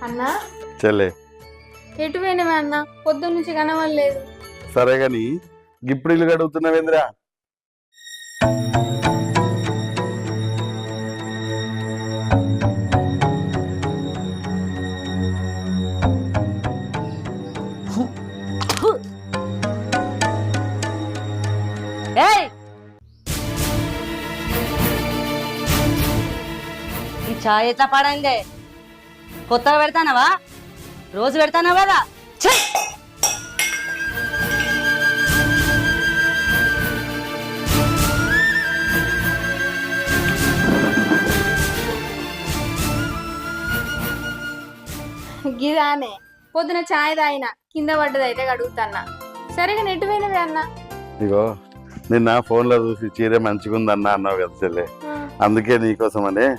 అన్నా చెల్లే ఎటు పోయినవే అన్న పొద్దున్న నుంచి కనవలేదు. సరే గాని ఇప్పుడు ఇల్లు గడుగుతున్నావేంద్రా? ఏయ్ ఈ చాయ్ ఎట్లా పాడండి? కొత్తగా పెడతానవా? రోజు పెడతానవా కదా? ఛీ! గిదానే పొద్దున చాయ్ తాగిన కింద పడ్డదైతే కడుగుతాన్నా. సరిగా నెట్టు పోయినవే అన్న. ఇగో నిన్న ఫోన్లో చూసి చీర మంచిగుందన్నా అన్నావు కదా చెల్లె, అందుకే నీకోసమనే